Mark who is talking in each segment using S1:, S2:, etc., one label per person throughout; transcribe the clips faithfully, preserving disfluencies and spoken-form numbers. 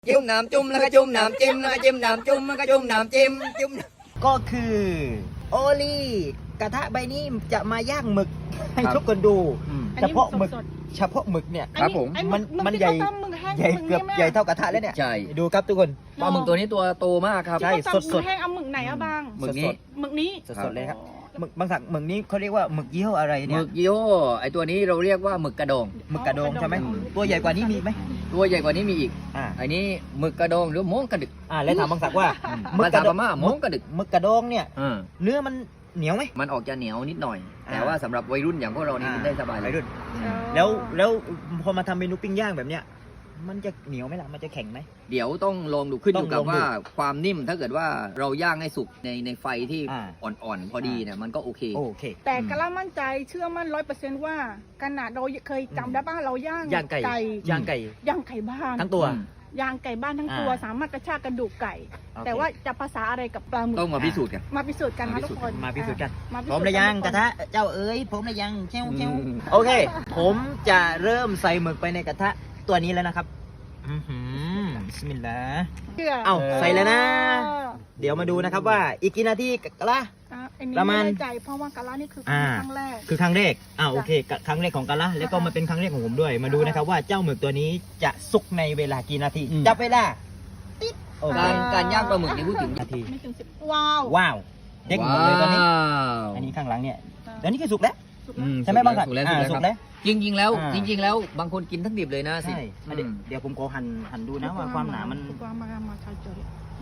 S1: จุ่มน้ำจุ่มแล้วก็จุ่มน้ำจิ้มแล้วก็จิ้มน้ำจุ่มแล้วก็จุ่มน้ำจิ้มจุ่ม
S2: ก็คือโอลี่กระทะใบนี้จะมาย่างหมึกให้ทุกคนดูเฉพาะหมึกเฉพาะหมึกเนี่ย
S1: ครับผม
S2: มันมันใหญ่ใหญ่เกือบใหญ่เท่ากระทะแล้วเนี่ย
S1: ใช่
S2: ดูครับทุกคน
S1: ปลาหมึกตัวนี้ตัวโตมากครับ
S2: ใช่
S3: สดสดแห้งเอาหมึกไหนอะบาง
S1: หมึกนี้
S3: หมึกนี้
S2: สดๆเลยครับหมึกบางสักหมึกนี้เขาเรียกว่าหมึกยี่ห้ออะไร
S1: ห
S2: เนี่
S1: มึ
S2: ย
S1: กยี่ห้อไอตัวนี้เราเรียกว่าหมึกกระดอง
S2: หมึกกระดองใช่ไหมตัวใหญ่กว่านี้มีไหม
S1: ตัวใหญ่กว่านี้มีอีก
S2: อ่า
S1: อันนี้หมึกกระดองหรือม้งกระดึก
S2: อ่าแล้วถามบางสักว่าหมึ
S1: ภาก
S2: ก
S1: ษา
S2: ระด
S1: พ
S2: อง
S1: ม่าม้งกระดึก
S2: หมึกกระดองเนี่ย
S1: อ่า
S2: เนื้อมันเหนียวไหม
S1: มันออกจะเหนียวนิดหน่อย
S2: อ่า
S1: แต่ว่าสำหรับวัยรุ่นอย่างพวกเรานี่กินได้สบายเล
S2: วั
S1: ย
S2: ยรุ่นแล้วแล้วพอมาทำเมนูปิ้งย่างแบบเนี้ยมันจะเหนียวไหมล่ะมันจะแข็งไหม
S1: เดี๋ยวต้องลองดูขึ้นอยู่
S2: ต้
S1: กั
S2: อบ งลองดู
S1: ว่าความนิ่มถ้าเกิดว่าเราย่างให้สุกในในไฟที่
S2: อ่า
S1: อ่อนๆพอดีเนี่ยมันก็โอเค
S2: โอเค
S3: แต่กะละมั่นใจเชื่อมั่นร้อยเปอร์เซ็นต์ว่าขนาดเราเคยจำได้ป่ะเราย่าง
S2: ย่างไก่ย่างไก่
S3: ย่างไก่บ้าน
S2: ทั้งตัว
S3: ย่างไก่บ้านทั้งตัว
S2: อ่า
S3: สามารถกระชากกระดูกไก่
S2: โอเค
S3: แต่ว่าจะภาษาอะไรกับปลาหมึก
S1: ต้องมาพิสูจน์กัน
S3: มาพิสูจน์กันนะทุกคน
S2: มาพิสูจน์กัน
S3: มาพิ
S2: พร้อม
S3: สูจน์
S2: หรือยัง
S3: ทุ
S2: กระทะเจ้าเอ๋ยพร้อมหรือยังเจ้าเจ้า
S1: อืม
S2: โอเค ผมจะเริ่มใส่หมึกไปในกระทะตัวนี้แล้วนะครับอื้อหือบิสมิลลาห์
S3: เชื่อ
S2: เอ้าใส่แล้วนะ
S3: เออ
S2: เดี๋ยวมาดูนะครับว่าอีกกี่นาทีกะละ
S3: อ่ะอันนี้
S2: ประมาณ
S3: ไม่แน่ใจเพราะว่ากะละนี่คือ
S2: อ่า
S3: ครั้งแรก
S2: คือครั้งแรกอ่าโอเคกะครั้งแรกของกะละแล้วก็มาเป็นครั้งแรกของผมด้วย มาดูนะครับว่าเจ้าหมึกตัวนี้จะสุกในเวลากี่นาที
S1: อืม
S2: จับเวลาติ๊ดโอเค
S1: การการย่างปลาหมึกนี่พูดถึง
S2: นาที
S3: ไม่ถึงสิบว้าว
S2: ว้าวเด็กหมดเลยตอนนี้
S1: ว้าว
S2: อันนี้ข้างหลังเนี่ยเดี๋ยวนี้คือสุกแล้ว
S3: สุก
S1: อื
S3: แล้ว
S1: ม
S2: ใช่ไหมบางสัก
S1: สุกแล้ว
S2: อ่า
S1: สุ
S2: สุ
S1: ก
S2: ก
S1: แล้
S2: แล้ว ว
S1: จริงๆแล้ว
S2: อ่า
S1: จริง ๆ แล้วบางคนกินทั้งดิบเลยนะสิ
S2: ใช่อ่ะเดี๋ยวเดี๋ยวผมขอหั่นหั่นดูนะว่าความหนามัน
S3: ความมามาใช่เจอ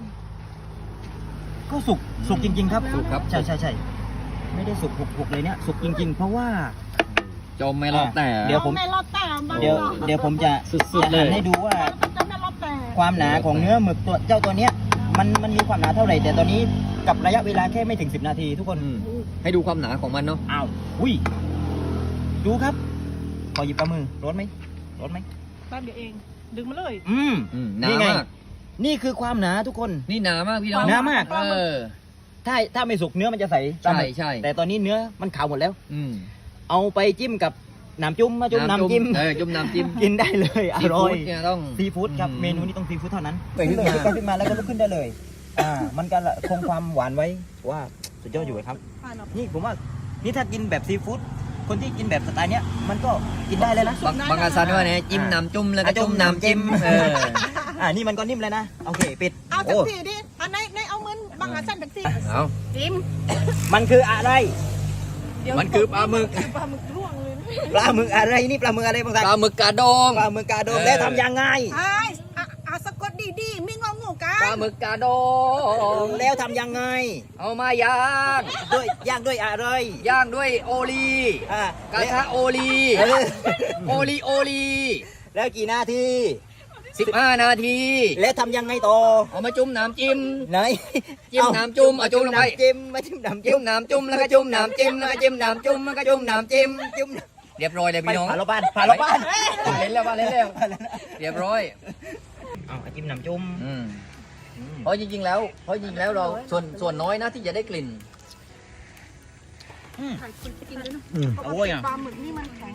S2: ก็สุกสุกจริง ๆ ครับ
S1: สุกครับ
S2: ใช่ใช่ใช่ไม่ได้สุกหุกๆเลยเนี่ยสุกจริง ๆ เพราะว่า
S1: จมไม่รอดแต่
S2: เดี๋ยวผม
S3: ไม่รอดแต่บ้าง
S2: เดี๋ยวเดี๋ยวผมจะ
S1: สุดๆเลย
S2: หั่นให้ดูว่า
S3: จะไม่รอดแต่
S2: ความหนาของเนื้อหมึกตัวเจ้าตัวเนี้ยมันมันมีความหนาเท่าไหร่แต่ตอนนี้กับระยะเวลาแค่ไม่ถึงสิบนาทีทุกคน
S1: อืมให้ดูความหนาของมันเนาะ
S2: อ้าวอุ้ยดูครับขอหยิบปลามือร้อนไหมร้อนไหม
S3: แป๊บเดียวเอง ดึงมาเลย
S2: อืม
S1: อืมหนา
S2: นี่ไง
S1: มาก
S2: นี่คือความหนาทุกคน
S1: นี่หนามากพี่น้อง
S2: หนามาก
S1: เออ
S2: ถ้าถ้าไม่สุกเนื้อมันจะใสปลาหมึก
S1: ใช่
S2: แต่ตอนนี้เนื้อมันขาวหมดแล้ว
S1: อืม
S2: เอาไปจิ้มกับน้ำจุ่มมาจุ่มน้ำจิ้ม
S1: เออจุ่มน้ำจิ้ม
S2: กินได้เลยอ
S1: ซี
S2: ร่อ
S1: ฟู้
S2: ย
S1: ดเนี่ยต้อง
S2: ซีฟู้ดครับ
S1: อืม
S2: เมนูนี้ต้องซีฟู้ดเท่านั้น
S1: ไปขึ้นมา
S2: เลยก็ขึ้นมาแล้วก็ลุกขึ้นได้เลยอ่ามันก็คงความหวานไว้ว่าสุดยอดอยู่ครับ นี่ผมว่านี่ถ้ากินแบบซีฟู้ดคนที่กินแบบสไตล์เนี้ยมันก็กินได้เลยนะ
S1: บางบางอาซันว่าเนี่ยจิ้มน้ำจุ่มแล้วก็
S2: อ่ะจุ่
S1: จุ่
S2: ม
S1: มน้ำจิ้ม
S2: น้ำจิ้ม
S1: เออ
S2: อ่านี่มันก็นิ่มเลยนะโอเคปิด
S3: เอาสัก
S2: โอ้
S3: ทีดิอันไหนในเอาเงินบางอาสั้นสักที
S1: เอา
S3: จิ้ม
S2: มันคืออะไร
S3: เดี๋ยว
S1: มันคือปลาหมึก
S3: ปลาหมึกร่วงเลย
S2: ปลาหมึกอะไรนี่ปลาหมึกอะไรบางสัน
S1: ปลาหมึกกระดอง
S2: ปลาหมึกกาโดม
S1: เออ
S2: แล้วทำยังไง
S3: ไอ้อ่ะอ่ะสะกดดีๆมีงองูกั
S1: ปลาน หมึกกระดอง
S2: แล้วทำยังไง
S1: เอามาย่าง
S2: ด้วยย่างด้วยอะไร
S1: ย่างด้วยโอลี
S2: อ่าก
S1: ระทะโอลี
S2: เออ
S1: โอลีโอลี
S2: แล้วกี่นาที
S1: สิบห้านาที
S2: แล้วทำยังไงต่อ
S1: เอามาจุ่มน้ำจิ้ม
S2: ไหน
S1: จิ้มน้ำจุ่มเอาจุ่มลงไป
S2: น้ำจิ้มมาจิ้มน้ำจิ้
S1: จิ้
S2: ม
S1: มน้ำจุ่มแล้วก็จุ่มน้ำจิ้มแล้วก็จิ้มน้ำจุ่มแล้วก็จุ่มน้ำจิ้ม
S2: จิ้ม
S1: เรียบร้อยเลย
S2: ไป
S1: พี่น้อง
S2: ผ่าเราบ้านผ่าเราบ้าน
S1: เล่นแล้วมาเล่นแล้วเรียบร้อย
S2: เอาจิ้มน้ำจุ่ม
S1: อืม
S2: อืม
S1: เพราะจริงๆแล้วเพราะจริงๆแล้วเราส่วนส่วนน้อยนะที่จะได้กลิ่น
S2: อืม
S3: ไข่คุณกินด้วยนะ
S2: อืม
S3: เพราะ
S2: โอ้
S3: ว่าย
S2: อ่ะ
S3: ปลาหมึกนี่มันแข็ง